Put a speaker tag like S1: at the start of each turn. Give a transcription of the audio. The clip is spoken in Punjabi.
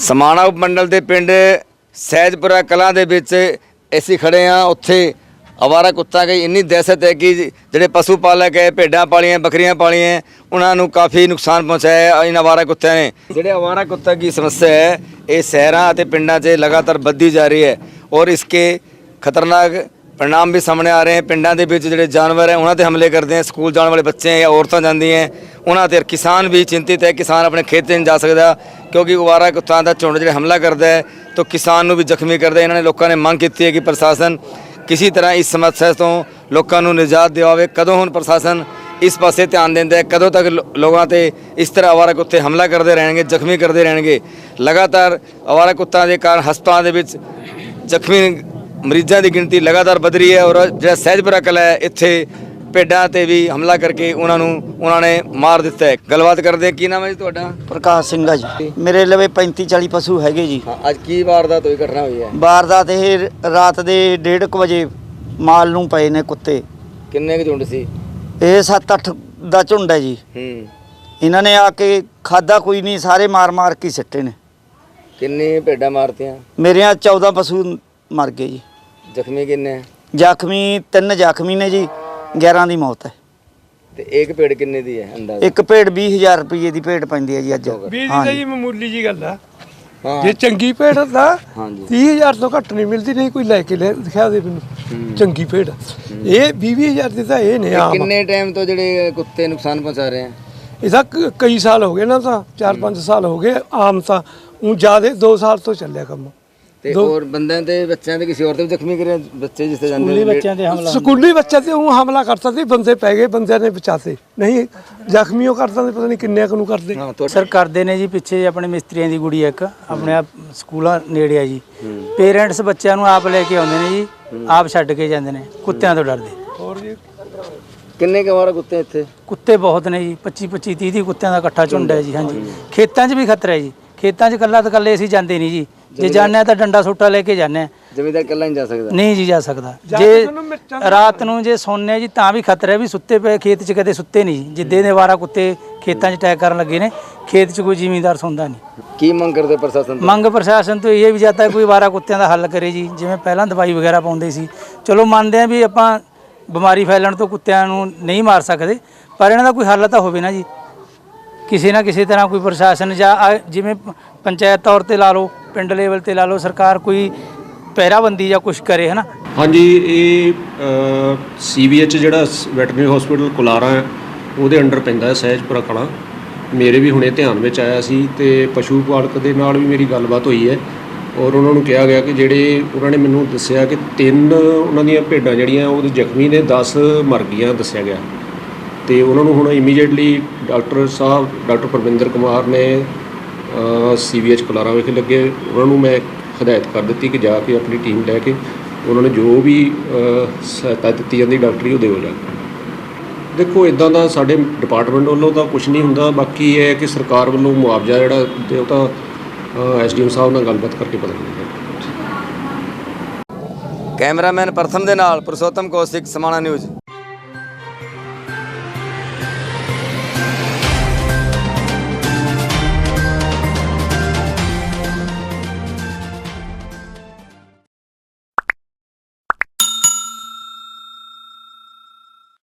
S1: समाणा उपमंडल के पिंड सैजपुरा कलां दे विच ਅਸੀਂ खड़े हाँ। उत्थे आवारा कुत्ता की इन्नी दहशत है कि ਜਿਹੜੇ पशु पालक है भेडां पालियां बकरियां पालियां उन्होंने काफ़ी नुकसान पहुँचाया इन आवारा कुत्तों ने। ਜਿਹੜੇ आवारा कुत्ता की समस्या है ये शहरों और पिंडों से लगातार बढ़ती जा रही है और इसके खतरनाक परिणाम भी सामने आ रहे हैं। पिंडों के विच ਜਿਹੜੇ जानवर हैं उन्होंने हमले करते हैं, स्कूल जाने वाले बच्चे हैं या औरतें जाती हैं उन्होंने। किसान भी चिंतित है, किसान अपने खेत नहीं जा सकता क्योंकि आवारा कुत्तों का झुंड जो हमला करता है तो किसान को भी जख्मी करता है। इन्होंने लोगों ने मांग की है कि प्रशासन किसी तरह इस समस्या तो लोगों को निजात दिवावे। कदों हुण प्रशासन इस पासे ध्यान देंदा है, कदों तक लोगों से इस तरह आवारा कुत्ते हमला करते रहेंगे, जख्मी करते रहेंगे। लगातार आवारा कुत्तों के कारण हस्पतालों के जख्मी मरीजों की गिनती लगातार बढ़ रही है और जो सैजपुरा कला है इत्थे भेडां ते भी हमला करके उन्होंने मार दिता है। गलबात करते हैं, की नाम है जी तुहाडा?
S2: प्रकाश सिंह आ जी। मेरे लवे 35-40 पशु हैगे जी।
S1: अज की वारदात हुई, घटना हुई है?
S2: वारदात ये रात के 1:30 बजे माल नूं पए ने कुत्ते।
S1: किन्ने के झुंड सी?
S2: ये 7-8 दा झुंड है जी। इन्होंने आके खादा कोई नहीं, सारे मार मार के सिੱਟੇ ने।
S1: किन्नी भेडां मारतियां?
S2: मेरे 14 पशु मर गए जी।
S1: जख्मी किन्ने?
S2: जख्मी 3 जख्मी ने जी, 11 की मौत है।
S1: ਤੇ ਇੱਕ ਭੇਡ ਕਿੰਨੇ ਦੀ ਹੈ ਅੰਦਾਜ਼ਾ?
S2: एक भेड़ 20,000 रुपये की भेड़ पैंदी है जी अज।
S3: 20 ਦੀ ਜੀ ਮਾਮੂਲੀ ਜੀ ਗੱਲ ਆ।
S1: ਹਾਂ
S3: ਜੇ ਚੰਗੀ ਭੇਡ ਦਾ
S1: ਹਾਂਜੀ
S3: 30,000 ਤੋਂ ਘੱਟ ਨਹੀਂ ਮਿਲਦੀ, ਨਹੀਂ ਕੋਈ ਲੈ ਕੇ ਦਿਖਾ ਦੇ ਮੈਨੂੰ ਚੰਗੀ ਭੇਡ। ਇਹ 20,000 ਦੀ ਤਾਂ ਇਹ ਨੇ ਆਮ।
S1: ਕਿੰਨੇ ਟਾਈਮ ਤੋਂ ਜਿਹੜੇ ਕੁੱਤੇ ਨੁਕਸਾਨ ਪਹੁੰਚਾ ਰਹੇ ਹਨ?
S3: ਇਹਦਾ ਕਈ ਸਾਲ ਹੋ ਗਏ ਨਾ, ਤਾਂ 4-5 ਸਾਲ ਹੋ ਗਏ ਆਮ। ਤਾਂ ਉਹ ਜ਼ਿਆਦਾ 2 ਸਾਲ ਤੋਂ ਚੱਲਿਆ ਕੰਮ।
S1: ਤੇ ਹੋਰ ਬੰਦਿਆਂ ਤੇ ਬੱਚਿਆਂ ਤੇ ਕਿਸੇ ਹੋਰ ਤੇ ਵੀ ਜ਼ਖਮੀ ਕਰਿਆ? ਬੱਚੇ ਜਿੱਥੇ ਜਾਂਦੇ
S2: ਸਕੂਲੀ ਬੱਚਿਆਂ ਤੇ ਹਮਲਾ,
S3: ਸਕੂਲੀ ਬੱਚੇ ਤੇ ਉਹ ਹਮਲਾ ਕਰਤਾ ਸੀ, ਬੰਦੇ ਪੈ ਗਏ, ਬੰਦਿਆਂ ਨੇ ਬਚਾਤੇ ਨਹੀਂ। ਜ਼ਖਮੀ ਉਹ ਕਰਦਾ ਤੇ ਪਤਾ ਨਹੀਂ ਕਿੰਨੇ ਕੁ ਨੂੰ ਕਰਦੇ।
S1: ਹਾਂ
S2: ਸਰ ਕਰਦੇ ਨੇ ਜੀ। ਪਿੱਛੇ ਆਪਣੇ ਮਿਸਤਰੀਆਂ ਦੀ ਗੁੜੀ ਇੱਕ ਆਪਣੇ ਆਪ ਸਕੂਲਾਂ ਨੇੜੇ ਆ ਜੀ। ਪੇਰੈਂਟਸ ਬੱਚਿਆਂ ਨੂੰ ਆਪ ਲੈ ਕੇ ਆਉਂਦੇ ਨੇ ਜੀ, ਆਪ ਛੱਡ ਕੇ ਜਾਂਦੇ ਨੇ ਕੁੱਤਿਆਂ ਤੋਂ ਡਰਦੇ।
S3: ਹੋਰ ਜੀ
S1: ਕਿੰਨੇ ਕੁ ਕੁੱਤੇ ਇੱਥੇ?
S2: ਕੁੱਤੇ ਬਹੁਤ ਨੇ ਜੀ, 25-25 30 ਕੁੱਤਿਆਂ ਦਾ ਇਕੱਠਾ ਝੁੰਡ ਹੈ ਜੀ। ਹਾਂਜੀ ਖੇਤਾਂ 'ਚ ਵੀ ਖਤਰਾ ਹੈ ਜੀ। ਖੇਤਾਂ 'ਚ ਇਕੱਲਾ ਤਾਂ ਇਕੱਲੇ ਅਸੀਂ ਜਾਂਦੇ ਨਹੀਂ ਜੀ। ਜੇ ਜਾਂਦੇ ਹਾਂ ਤਾਂ ਡੰਡਾ ਸੋਟਾ ਲੈ ਕੇ ਜਾਂਦੇ ਹਾਂ।
S1: ਜ਼ਮੀਂਦਾਰ ਇਕੱਲਾ ਨਹੀਂ ਜਾ ਸਕਦਾ?
S2: ਨਹੀਂ ਜੀ ਜਾ ਸਕਦਾ। ਜੇ ਰਾਤ ਨੂੰ ਜੇ ਸੌਂਦੇ ਜੀ ਤਾਂ ਵੀ ਖਤਰਾ ਹੈ ਵੀ ਸੁੱਤੇ ਪਏ ਖੇਤ 'ਚ ਕਦੇ ਸੁੱਤੇ ਨਹੀਂ ਜੀ। ਜਿੱਦੇ ਦੇ ਆਵਾਰਾ ਕੁੱਤੇ ਖੇਤਾਂ 'ਚ ਅਟੈਕ ਕਰਨ ਲੱਗੇ ਨੇ, ਖੇਤ 'ਚ ਕੋਈ ਜ਼ਿਮੀਂਦਾਰ ਸੌਂਦਾ ਨਹੀਂ।
S1: ਕੀ ਮੰਗ ਕਰਦੇ ਪ੍ਰਸ਼ਾਸਨ ਤੋਂ?
S2: ਮੰਗ ਪ੍ਰਸ਼ਾਸਨ ਤੋਂ ਇਹ ਵੀ ਜਾਂਦਾ ਕੋਈ ਆਵਾਰਾ ਕੁੱਤਿਆਂ ਦਾ ਹੱਲ ਕਰੇ ਜੀ। ਜਿਵੇਂ ਪਹਿਲਾਂ ਦਵਾਈ ਵਗੈਰਾ ਪਾਉਂਦੇ ਸੀ, ਚਲੋ ਮੰਨਦੇ ਆ ਵੀ ਆਪਾਂ ਬਿਮਾਰੀ ਫੈਲਣ ਤੋਂ ਕੁੱਤਿਆਂ ਨੂੰ ਨਹੀਂ ਮਾਰ ਸਕਦੇ, ਪਰ ਇਹਨਾਂ ਦਾ ਕੋਈ ਹੱਲ ਤਾਂ ਹੋਵੇ ਨਾ ਜੀ। ਕਿਸੇ ਨਾ ਕਿਸੇ ਤਰ੍ਹਾਂ ਕੋਈ ਪ੍ਰਸ਼ਾਸਨ ਜਾਂ ਜਿਵੇਂ ਪੰਚਾਇਤ ਤੌਰ ਤੇ ਲਾ ਲਓ, ਪਿੰਡ ਲੈਵਲ ਤੇ ਲਾ ਲਓ, ਸਰਕਾਰ ਕੋਈ ਪਹਿਰਾਬੰਦੀ ਜਾਂ ਕੁਛ ਕਰੇ ਹੈ ਨਾ।
S4: ਹਾਂਜੀ, ਇਹ CVH ਜਿਹੜਾ ਵੈਟਰਨਰੀ ਹਸਪੀਟਲ ਕੁਲਾਰਾ ਹੈ ਉਹਦੇ ਅੰਡਰ ਪੈਂਦਾ ਹੈ ਸਹਿਜਪੁਰਾ ਕਲਾਂ। ਮੇਰੇ ਵੀ ਹੁਣੇ ਧਿਆਨ ਵਿੱਚ ਆਇਆ ਸੀ ਤੇ ਪਸ਼ੂ ਪਾਲਕ ਦੇ ਨਾਲ ਵੀ ਮੇਰੀ ਗੱਲਬਾਤ ਹੋਈ ਹੈ ਔਰ ਉਹਨਾਂ ਨੂੰ ਕਿਹਾ ਗਿਆ ਕਿ ਜਿਹੜੇ ਉਹਨਾਂ ਨੇ ਮੈਨੂੰ ਦੱਸਿਆ ਕਿ 3 ਉਹਨਾਂ ਦੀਆਂ ਭੇਡਾਂ ਜਿਹੜੀਆਂ ਉਹਦੇ ਜ਼ਖਮੀ ਨੇ, 10 ਮਰ ਗਈਆਂ ਦੱਸਿਆ ਗਿਆ। ਤੇ ਉਹਨਾਂ ਨੂੰ ਹੁਣ ਇਮੀਡੀਏਟਲੀ ਡਾਕਟਰ ਸਾਹਿਬ ਡਾਕਟਰ ਪਰਵਿੰਦਰ ਕੁਮਾਰ ਨੇ CVH ਕੁਲਾਰਾ ਵਿਖੇ ਲੱਗੇ। ਉਹਨਾਂ ਨੂੰ ਮੈਂ ਹਦਾਇਤ ਕਰ ਦਿੱਤੀ ਕਿ ਜਾ ਕੇ ਆਪਣੀ ਟੀਮ ਲੈ ਕੇ ਉਹਨਾਂ ਨੇ ਜੋ ਵੀ ਸਹਾਇਤਾ ਦਿੱਤੀ ਜਾਂਦੀ ਡਾਕਟਰੀ ਉਹ ਦਿਓ ਜਾ ਕੇ। ਦੇਖੋ ਇੱਦਾਂ ਦਾ ਸਾਡੇ ਡਿਪਾਰਟਮੈਂਟ ਵੱਲੋਂ ਤਾਂ ਕੁਝ ਨਹੀਂ ਹੁੰਦਾ। ਬਾਕੀ ਇਹ ਹੈ ਕਿ ਸਰਕਾਰ ਵੱਲੋਂ ਮੁਆਵਜ਼ਾ ਜਿਹੜਾ ਤੇ ਉਹ ਤਾਂ SDM ਸਾਹਿਬ ਨਾਲ ਗੱਲਬਾਤ ਕਰਕੇ ਪਤਾ ਲੱਗੇਗਾ।
S1: ਕੈਮਰਾਮੈਨ ਪ੍ਰਥਮ ਦੇ ਨਾਲ ਪੁਰਸ਼ੋਤਮ ਕੌਸ਼ਿਕ, ਸਮਾਣਾ ਨਿਊਜ਼।